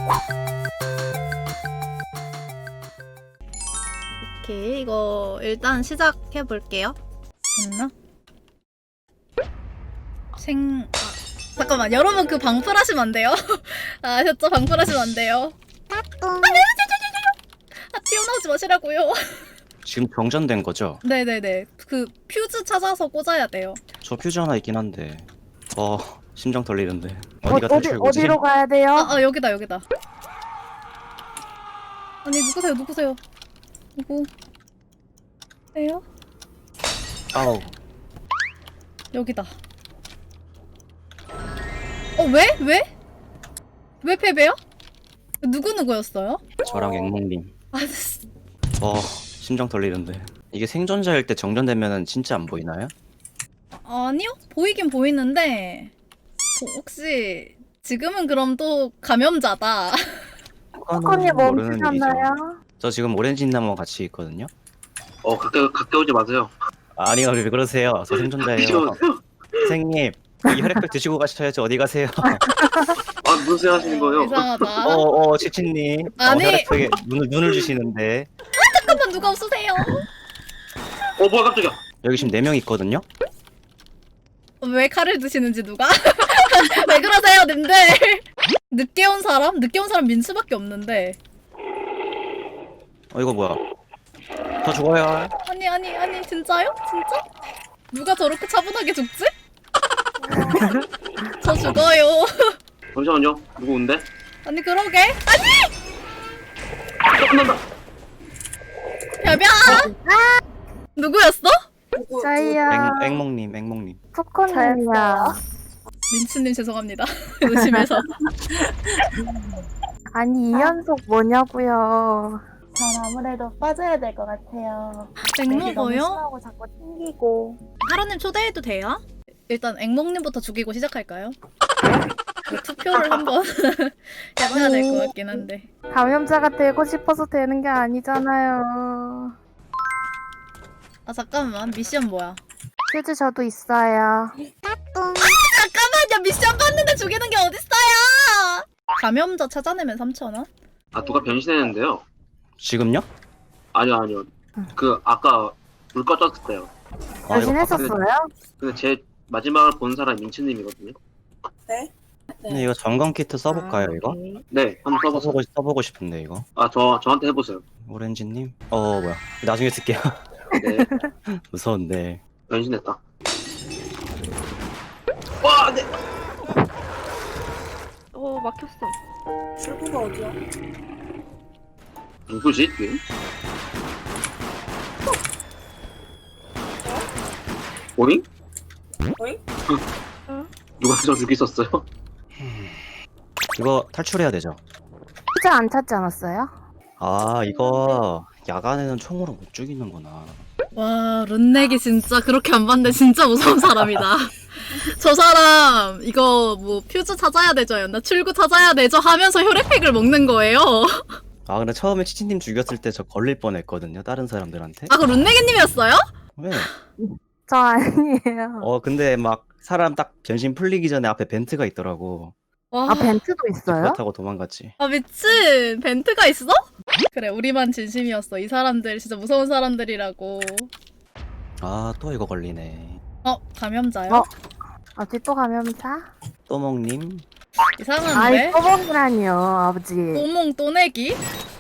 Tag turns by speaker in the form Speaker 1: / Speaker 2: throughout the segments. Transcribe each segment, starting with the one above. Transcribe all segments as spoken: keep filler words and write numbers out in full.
Speaker 1: 오케이, 이거 일단 시작해 볼게요. 됐나? 생... 아, 잠깐만, 여러분 그 방풀하시면 안 돼요? 아, 아셨죠? 방풀하시면 안 돼요. 아, 네, 아, 튀어나오지 마시라고요.
Speaker 2: 지금 병전된 거죠?
Speaker 1: 네네네. 그 퓨즈 찾아서 꽂아야 돼요.
Speaker 2: 저 퓨즈 하나 있긴 한데. 어, 심장 떨리는데.
Speaker 3: 어,
Speaker 2: 어디가
Speaker 3: 어디,
Speaker 2: 탈출구지?
Speaker 3: 어디로 가야 돼요?
Speaker 1: 아, 아 여기다 여기다. 아니 누구세요 누구세요? 누구세요?
Speaker 2: 아우.
Speaker 1: 여기다. 어 왜? 왜? 왜 패배요? 누구 누구였어요?
Speaker 2: 저랑 앵몽님.
Speaker 1: 아, 씨.
Speaker 2: 어, 심장 떨리는데. 이게 생존자일 때 정전되면은 진짜 안 보이나요?
Speaker 1: 아니요 보이긴 보이는데 어, 혹시 지금은 그럼 또 감염자다.
Speaker 3: 코코님
Speaker 2: 모르는 일이죠.
Speaker 3: 멈추셨나요?
Speaker 2: 저 지금 오렌지나무와 같이 있거든요.
Speaker 4: 어 가까이 가까이 오지 마세요.
Speaker 2: 아니요, 왜 그러세요? 저
Speaker 4: 이제
Speaker 2: 생존자예요.
Speaker 4: 오세요.
Speaker 2: 선생님, 이 혈액팩 드시고 가셔야지. 어디 가세요?
Speaker 4: 아 무슨 생각 하시는 거예요?
Speaker 1: 이상하다.
Speaker 2: 어, 어, 치치님. 어,
Speaker 1: 아니.
Speaker 2: 혈액팩에 눈을, 눈을 주시는데.
Speaker 1: 잠깐만 누가 없으세요?
Speaker 4: 어 뭐야 깜짝이야.
Speaker 2: 여기 지금 네 명 있거든요?
Speaker 1: 왜 칼을 드시는지 누가? 왜 그러세요 님들? 늦게 온 사람? 늦게 온 사람 민수밖에 없는데.
Speaker 2: 어, 이거 뭐야? 더 죽어요.
Speaker 1: 아니 아니 아니 진짜요? 진짜? 누가 저렇게 차분하게 죽지? 저 죽어요.
Speaker 4: 잠시만요. 누구 온대?
Speaker 1: 아니 그러게. 아니!
Speaker 4: 아, 끝난다.
Speaker 1: 야비야! 누구였어?
Speaker 3: 저희요.
Speaker 2: 앵, 앵몽님, 앵몽님.
Speaker 3: 코코님이요.
Speaker 1: 민츠님 죄송합니다. 의심해서.
Speaker 3: 아니, 이 연속 뭐냐고요.
Speaker 5: 전 아무래도 빠져야 될 것 같아요. 너무
Speaker 1: 앵무고요?
Speaker 5: 심하고 자꾸 튕기고.
Speaker 1: 하라님 초대해도 돼요? 일단 앵몽님부터 죽이고 시작할까요? 그 투표를 한번 해봐야 될 것 같긴 한데.
Speaker 3: 감염자가 되고 싶어서 되는 게 아니잖아요.
Speaker 1: 아 잠깐만 미션 뭐야?
Speaker 3: 퓨즈 저도 있어요.
Speaker 1: 잠깐만요 미션 봤는데 죽이는 게 어딨어요? 감염자 찾아내면 삼천 원?
Speaker 4: 아 누가 변신했는데요?
Speaker 2: 지금요?
Speaker 4: 아니요 아니요. 그 아까 불 꺼졌을 때요.
Speaker 2: 아, 이거
Speaker 3: 변신했었어요?
Speaker 4: 근데 제 마지막을 본 사람이 민츠님이거든요.
Speaker 2: 근데 이거 점검 키트 써볼까요, 이거?
Speaker 4: 네 한번 써보세요.
Speaker 2: 써보고, 써보고 싶은데, 이거.
Speaker 4: 아 저 저한테 해보세요.
Speaker 2: 오렌지님? 어, 뭐야. 나중에 쓸게요.
Speaker 4: 네
Speaker 2: 무서운데.
Speaker 4: 변신했다. 와 네.
Speaker 6: 어 막혔어.
Speaker 5: 출구가 어디야?
Speaker 4: 누구지? 지금? 오잉?
Speaker 5: 오잉?
Speaker 4: 누가 저 죽이셨어요?
Speaker 2: 이거 탈출해야 되죠?
Speaker 3: 퓨즈 안 찾지 않았어요?
Speaker 2: 아, 이거 야간에는 총으로 못 죽이는구나.
Speaker 1: 와 룬넥이 진짜 그렇게 안 봤는데 진짜 무서운 사람이다. 저 사람 이거 뭐 퓨즈 찾아야 되죠 나 출구 찾아야 되죠 하면서 혈액팩을 먹는 거예요.
Speaker 2: 아, 근데 처음에 치치님 죽였을 때 저 걸릴 뻔했거든요, 다른 사람들한테.
Speaker 1: 아 그 룬넥이님이었어요?
Speaker 2: 왜?
Speaker 3: 저 아니에요.
Speaker 2: 어, 근데 막 사람 딱 변신 풀리기 전에 앞에 벤트가 있더라고.
Speaker 1: 와,
Speaker 3: 아, 벤트도 있어요?
Speaker 2: 그렇다고 도망갔지.
Speaker 1: 아 미친 벤트가 있어? 그래 우리만 진심이었어. 이 사람들 진짜 무서운 사람들이라고.
Speaker 2: 아, 또 이거 걸리네.
Speaker 1: 어 감염자요?
Speaker 3: 어? 어디 또 감염자?
Speaker 2: 또몽님?
Speaker 1: 이상한데?
Speaker 3: 아이, 또봉이라니요, 아버지.
Speaker 1: 또몽 또내기?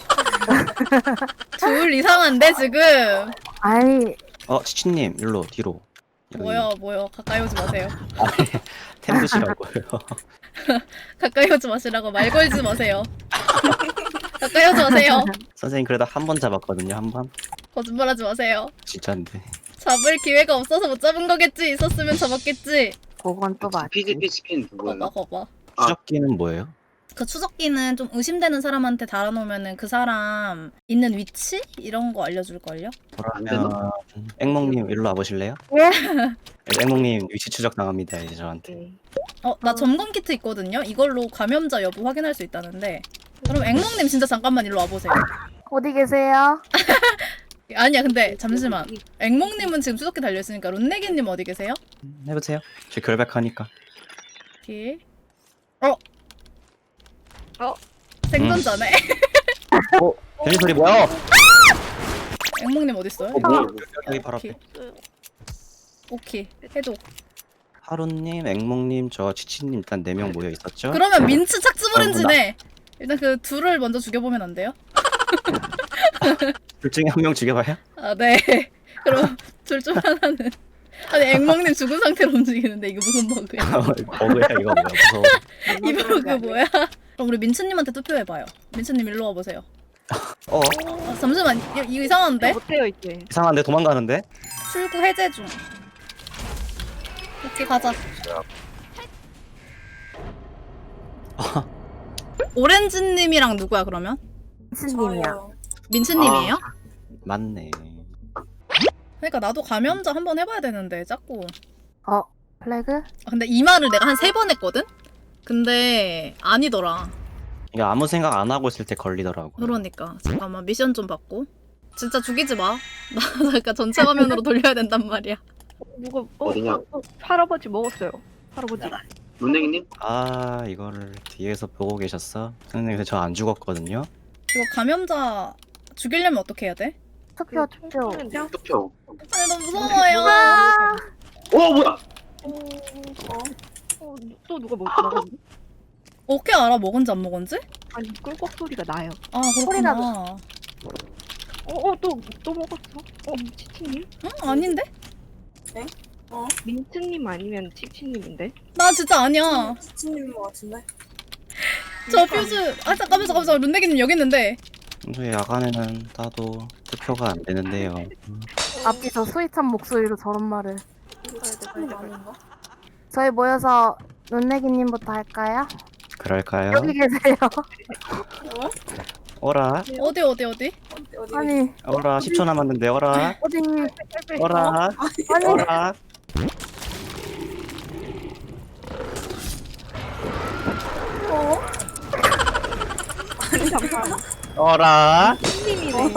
Speaker 1: 둘 이상한데 지금?
Speaker 3: 아이,
Speaker 2: 어, 치치님, 일로, 뒤로. 여기.
Speaker 1: 뭐야 뭐야 가까이 오지 마세요.
Speaker 2: 아니, 템 드시라고요.
Speaker 1: 가까이 오지 마시라고 말 걸지 마세요. 가까이 오지 마세요.
Speaker 2: 선생님, 그래도 한 번 잡았거든요, 한 번.
Speaker 1: 거짓말하지 마세요.
Speaker 2: 진짜인데.
Speaker 1: 잡을 기회가 없어서 못 잡은 거겠지. 있었으면 잡았겠지.
Speaker 3: 그건 또 맞지.
Speaker 4: 피지피 스킨 누구예요?
Speaker 1: 거봐 거봐.
Speaker 4: 아.
Speaker 2: 추적기는 뭐예요?
Speaker 1: 그 추적기는 좀 의심되는 사람한테 달아놓으면은 그 사람 있는 위치 이런 거 알려줄걸요?
Speaker 2: 그러면 앵몽님 일로 와보실래요?
Speaker 3: 예?
Speaker 2: 앵몽님 위치 추적 당합니다, 이제 저한테.
Speaker 1: 어, 나 점검 키트 있거든요. 이걸로 감염자 여부 확인할 수 있다는데. 그럼 앵몽님 진짜 잠깐만 일로 와보세요.
Speaker 3: 어디 계세요?
Speaker 1: 아니야, 근데 잠시만. 앵몽님은 지금 추적기 달려있으니까 룬내기님 어디 계세요?
Speaker 2: 음, 해보세요. 저 결백하니까.
Speaker 1: 오케이. 어?
Speaker 6: 어?
Speaker 1: 생존자네.
Speaker 2: 어? 변신 소리 뭐야?
Speaker 1: 앵몽님 어딨어요?
Speaker 2: 어 뭐야? 여기 바로
Speaker 1: 오케이.
Speaker 2: 앞에.
Speaker 1: 오케이 해줘.
Speaker 2: 하루님, 앵몽님, 저 치치님 일단 네 명 모여 있었죠?
Speaker 1: 그러면 민츠 착즙오렌지네. 일단 그 둘을 먼저 죽여보면 안 돼요?
Speaker 2: 둘 중에 한 명 죽여봐요?
Speaker 1: 아 네. 그럼 둘 중 하나는 아니 앵몽님 죽은 상태로 움직이는데 이거 무슨 버그야?
Speaker 2: 버그야 이거 뭐야 무서워.
Speaker 1: 이 버그 뭐야? 그럼 우리 민츠님한테 투표해봐요. 민츠님 일로 와보세요.
Speaker 2: 어?
Speaker 1: 아, 잠시만 이거, 이거 이상한데?
Speaker 6: 못해요 이제.
Speaker 2: 이상한데 도망가는데?
Speaker 1: 출구 해제 중. 오케이 가자. 오렌지님이랑 누구야 그러면?
Speaker 3: 신님이야.
Speaker 1: 민츠님이에요?
Speaker 2: 맞네.
Speaker 1: 그러니까 나도 감염자 한번 해봐야 되는데 자꾸.
Speaker 3: 어, 플래그?
Speaker 1: 아, 근데 이 말을 내가 한 세 번 했거든? 근데 아니더라.
Speaker 2: 이거 아무 생각 안 하고 있을 때 걸리더라고.
Speaker 1: 그러니까 잠깐만 미션 좀 받고. 진짜 죽이지 마. 나 잠깐 전체 화면으로 돌려야 된단 말이야.
Speaker 6: 누가 어,
Speaker 4: 어디냐?
Speaker 6: 어, 어, 할아버지 먹었어요. 할아버지.
Speaker 4: 룬냉이님?
Speaker 2: 아 이거를 뒤에서 보고 계셨어? 선생님 저 안 죽었거든요?
Speaker 1: 이거 감염자 죽이려면 어떻게 해야 돼?
Speaker 3: 투표,
Speaker 6: 그
Speaker 3: 투표.
Speaker 6: 총소리인데?
Speaker 4: 투표.
Speaker 1: 아니 너무 무서워요.
Speaker 4: 어 뭐야?
Speaker 6: 어, 어, 어, 또 누가 먹, 먹었니?
Speaker 1: 어떻게 알아 먹은지 안 먹은지?
Speaker 6: 아니 꿀꺽 소리가 나요.
Speaker 1: 아
Speaker 3: 소리가
Speaker 1: 그렇구나.
Speaker 6: 어, 어, 또, 또 먹었어? 어, 치치님?
Speaker 1: 응? 아닌데?
Speaker 6: 민트님 아니면 치치님인데?
Speaker 1: 나 진짜 아니야.
Speaker 7: 치치님인 것 같은데?
Speaker 1: 저 퓨즈. 아 잠깐만 잠깐만 잠깐만. 룬데기님 여기 있는데.
Speaker 2: 평소에 야간에는 따도 투표가 안 되는데요.
Speaker 3: 앞뒤 저 스윗한 목소리로 저런 말을.
Speaker 7: 치치님 아닌가?
Speaker 3: 저희 모여서 룬내기님부터 할까요?
Speaker 2: 그럴까요?
Speaker 3: 여기 계세요.
Speaker 2: 어라?
Speaker 1: 어디 어디 어디?
Speaker 7: 어디 어디?
Speaker 3: 아니,
Speaker 2: 어라 십 초 남았는데 어라?
Speaker 3: 어디.
Speaker 2: 어라?
Speaker 3: 아니,
Speaker 2: 어라?
Speaker 7: 어?
Speaker 6: 아니, 잠깐.
Speaker 2: 어라?
Speaker 6: 치치님이네.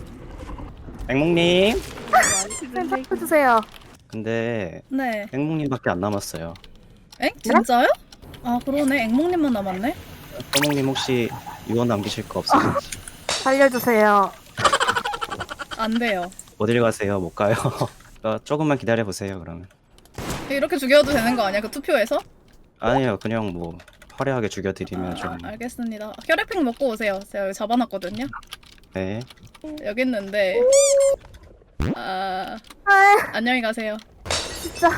Speaker 2: 앵몽님?
Speaker 3: 해주세요.
Speaker 2: 근데
Speaker 1: 네.
Speaker 2: 앵몽님밖에 안 남았어요.
Speaker 1: 엥? 진짜요? 아 그러네. 앵몽님만 남았네.
Speaker 2: 앵몽님 혹시 유언 남기실 거 없으신지?
Speaker 3: 살려주세요.
Speaker 1: 안 돼요.
Speaker 2: 어딜 가세요? 못 가요. 어, 조금만 기다려 보세요 그러면.
Speaker 1: 이렇게 죽여도 되는 거 아니야? 그 투표에서?
Speaker 2: 아니요 그냥 뭐 화려하게 죽여드리면 좀.
Speaker 1: 아, 알겠습니다. 혈액팩 먹고 오세요. 제가 여기 잡아놨거든요.
Speaker 2: 네.
Speaker 1: 여기 있는데. 아
Speaker 3: 아,
Speaker 1: 안녕히 가세요.
Speaker 3: 진짜.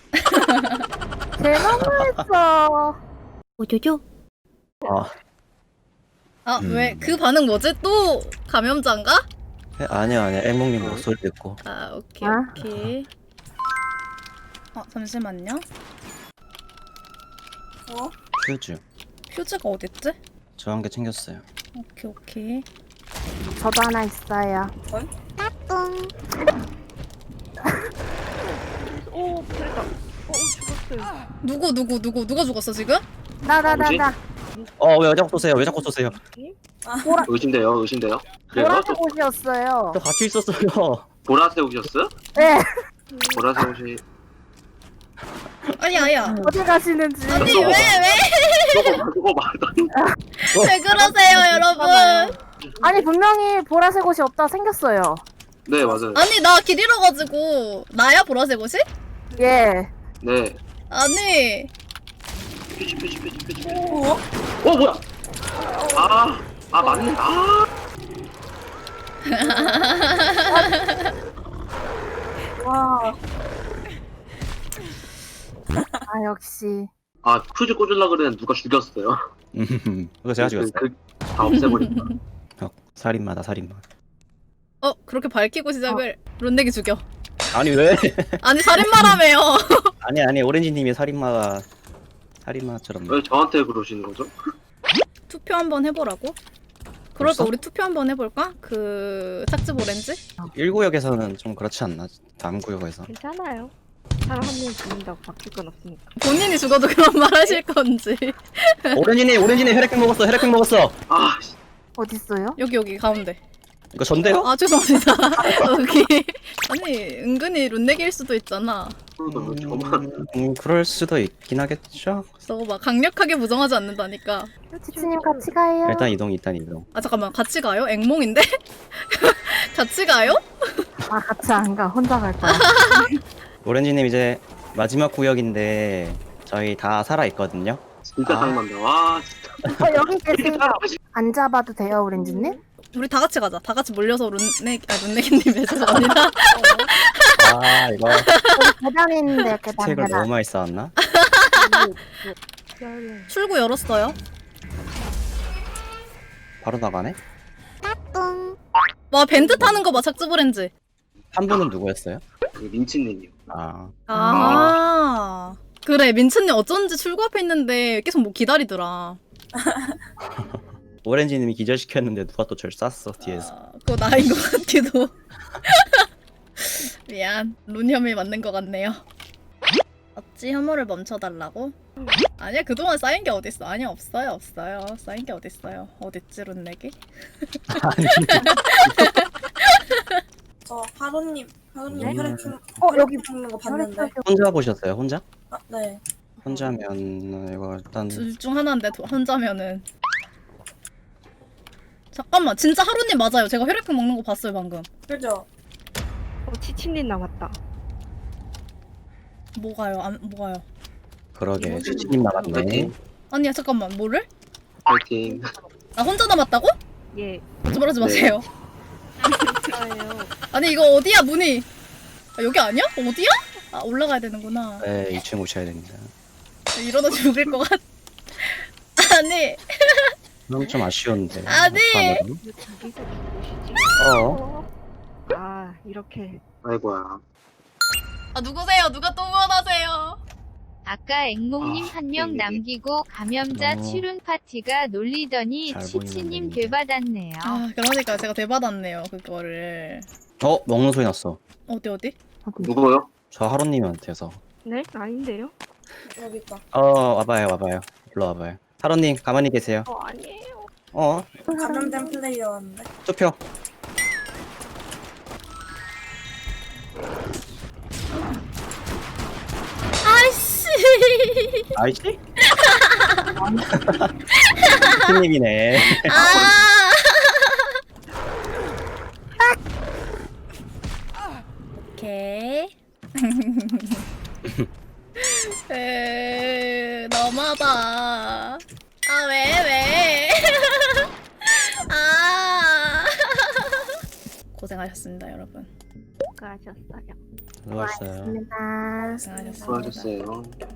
Speaker 3: 개 너무했어. 오조조.
Speaker 2: 아
Speaker 1: 아
Speaker 2: 음.
Speaker 1: 왜 그 반응 뭐지? 또 감염자인가?
Speaker 2: 네, 아니요 아니요 앵몽님 목소리 듣고.
Speaker 1: 아 오케이
Speaker 3: 아.
Speaker 1: 오케이. 어 잠시만요.
Speaker 7: 어?
Speaker 2: 퓨즈.
Speaker 1: 퓨즈가 어딨지?
Speaker 2: 저 한 개 챙겼어요.
Speaker 1: 오케이 오케이.
Speaker 3: 저도 하나 있어요.
Speaker 7: 헐?
Speaker 3: 뚱.
Speaker 6: 오, 그랬다. 어, 어, 죽었어요.
Speaker 1: 누구 누구 누구 누가 죽었어 지금?
Speaker 3: 나, 나, 나, 나.
Speaker 2: 어 왜 자꾸 쏘세요? 왜 자꾸 쏘세요?
Speaker 4: 의심돼요, 의심돼요. 그래요?
Speaker 3: 보라색 옷이었어요.
Speaker 2: 저 같이 있었어요.
Speaker 4: 보라색 옷이었어요?
Speaker 3: 네.
Speaker 4: 보라색 옷이
Speaker 1: 아니 아야.
Speaker 3: 어디 가시는지.
Speaker 1: 아니 왜 왜?
Speaker 4: 저거 저거 말도 안 돼.
Speaker 1: 왜 그러세요 여러분?
Speaker 3: 아니, 분명히 보라색 옷이 없다 생겼어요.
Speaker 4: 네 맞아요.
Speaker 1: 아니 나 길 잃어가지고 나야 보라색 옷이?
Speaker 3: 예.
Speaker 4: 네.
Speaker 1: 아니
Speaker 4: 퓨지 퓨지 퓨지 퓨지.
Speaker 7: 어?
Speaker 4: 어 뭐야? 아, 아 맞네. 아.
Speaker 7: 와.
Speaker 3: 아, 역시.
Speaker 4: 아 퓨즈 꽂으려 그랬는데 누가 죽였어요.
Speaker 2: 음, 그거 제가 죽였어요.
Speaker 4: 그, 그, 다 없애버린다.
Speaker 2: 어, 살인마다 살인마.
Speaker 1: 어 그렇게 밝히고 시작을 론내기 죽여.
Speaker 2: 아니 왜?
Speaker 1: 아니 살인마라며요.
Speaker 2: 아니 아니 오렌지님이 살인마가 살인마처럼.
Speaker 4: 왜 저한테 그러시는 거죠?
Speaker 1: 투표 한번 해보라고? 그럴까
Speaker 2: 벌써?
Speaker 1: 우리 투표 한번 해볼까? 그 착즙 오렌지?
Speaker 2: 일 구역에서는 좀 그렇지 않나? 다음 구역에서.
Speaker 6: 괜찮아요. 사람 한 명 죽는다고 바뀔 건 없으니까.
Speaker 1: 본인이 죽어도 그런 말 하실 건지.
Speaker 2: 오렌지님 오렌지님 혈액팩 먹었어 혈액팩 먹었어.
Speaker 4: 아, 씨.
Speaker 3: 어딨어요?
Speaker 1: 여기 여기 가운데.
Speaker 2: 이거 전데요?
Speaker 1: 아 죄송합니다. 여기 아니 은근히 룬내기일 수도 있잖아.
Speaker 4: 그러면 저만
Speaker 2: 음, 그럴 수도 있긴 하겠죠.
Speaker 1: 너 막 강력하게 부정하지 않는다니까.
Speaker 3: 지치님 같이 가요.
Speaker 2: 일단 이동, 일단 이동.
Speaker 1: 아 잠깐만 같이 가요? 앵몽인데? 같이 가요?
Speaker 3: 아 같이 안 가. 혼자 갈 거야.
Speaker 2: 오렌지님 이제 마지막 구역인데 저희 다 살아 있거든요.
Speaker 4: 진짜
Speaker 2: 아.
Speaker 4: 장난다. 와 진짜.
Speaker 3: 어 여기 계세요. 안 잡아도 돼요, 오렌지님?
Speaker 1: 우리 다 같이 가자. 다 같이 몰려서 룬내 아 룬내기님의 죄송합니다.
Speaker 2: 아 이거
Speaker 3: 여기 계단에 있는데 계단
Speaker 2: 책을
Speaker 3: 계단.
Speaker 2: 너무 많이 쌓았나?
Speaker 1: 출구 열었어요.
Speaker 2: 바로 나가네?
Speaker 1: 와 밴드 타는 거 봐. 착즙 오렌지.
Speaker 2: 한 분은 누구였어요?
Speaker 4: 그 민치님이요.
Speaker 2: 아
Speaker 1: 아 그래 민츠님 어쩐지 출구 앞에 있는데 계속 뭐 기다리더라.
Speaker 2: 오렌지님이 기절시켰는데 누가 또 절 쐈어 뒤에서.
Speaker 1: 아, 그거 나인 것 같기도. 미안. 룬혐이 맞는 것 같네요. 어찌 혐오를 멈춰달라고? 아니야 그동안 쌓인 게 어딨어. 아니야 없어요 없어요. 쌓인 게 어딨어요. 어딨지 룬내기?
Speaker 7: 저 하루님, 하루님
Speaker 2: 네?
Speaker 7: 혈액형,
Speaker 3: 어, 여기
Speaker 7: 죽는 거 봤는데.
Speaker 2: 혼자 보셨어요? 혼자?
Speaker 7: 아, 네.
Speaker 2: 혼자면 이거 일단
Speaker 1: 둘 중 하나인데 도- 혼자면은 잠깐만 진짜 하루님 맞아요. 제가 혈액형 먹는 거 봤어요 방금.
Speaker 7: 그죠?
Speaker 6: 어, 치치님 남았다.
Speaker 1: 뭐가요? 안 뭐가요?
Speaker 2: 그러게 지치님 나갔네.
Speaker 4: 파이팅.
Speaker 1: 아니야 잠깐만 뭐를?
Speaker 4: 파이팅.
Speaker 1: 나 혼자 남았다고?
Speaker 6: 예.
Speaker 1: 거짓말하지
Speaker 4: 네.
Speaker 1: 마세요.
Speaker 6: 좋아요.
Speaker 1: 아니 이거 어디야 문이? 아, 여기 아니야? 어디야? 아 올라가야 되는구나.
Speaker 2: 네 이 층 오셔야 됩니다.
Speaker 1: 이러다 죽을 것 같. 아니
Speaker 2: 그럼 좀 아쉬운데.
Speaker 1: 아니.
Speaker 2: 어떡하냐고?
Speaker 6: 왜 저기서 죽으시지?
Speaker 2: 어.
Speaker 6: 아, 이렇게.
Speaker 4: 아이고야.
Speaker 1: 아 누구세요? 누가 또 원하세요?
Speaker 8: 아까 앵몽님
Speaker 4: 아,
Speaker 8: 한 명
Speaker 4: 네.
Speaker 8: 남기고 감염자
Speaker 2: 너무
Speaker 8: 치룬 파티가 놀리더니
Speaker 2: 잘
Speaker 8: 치치님
Speaker 2: 보이는
Speaker 8: 되받았네요.
Speaker 1: 아 그러니까 제가 대받았네요 그거를.
Speaker 2: 어 먹는 소리 났어.
Speaker 1: 어디 어디?
Speaker 4: 누구요?
Speaker 2: 저 하루님한테서.
Speaker 6: 네? 아닌데요?
Speaker 7: 여기 있다.
Speaker 2: 어 와봐요 와봐요. 일로 와봐요. 하루님 가만히 계세요.
Speaker 6: 어, 아니에요.
Speaker 2: 어
Speaker 7: 감염된 플레이어였는데.
Speaker 2: 투표.
Speaker 1: 아이씨.
Speaker 2: 아이씨? 팀님이네.
Speaker 1: 아. 오케이. 에 너무하다. 아 왜 왜? 아. 고생하셨습니다 여러분.
Speaker 6: 수고하셨어요.
Speaker 2: 수고하셨어요.
Speaker 3: 감사합니다.
Speaker 1: 고생하셨습니다.
Speaker 4: 수고하셨어요.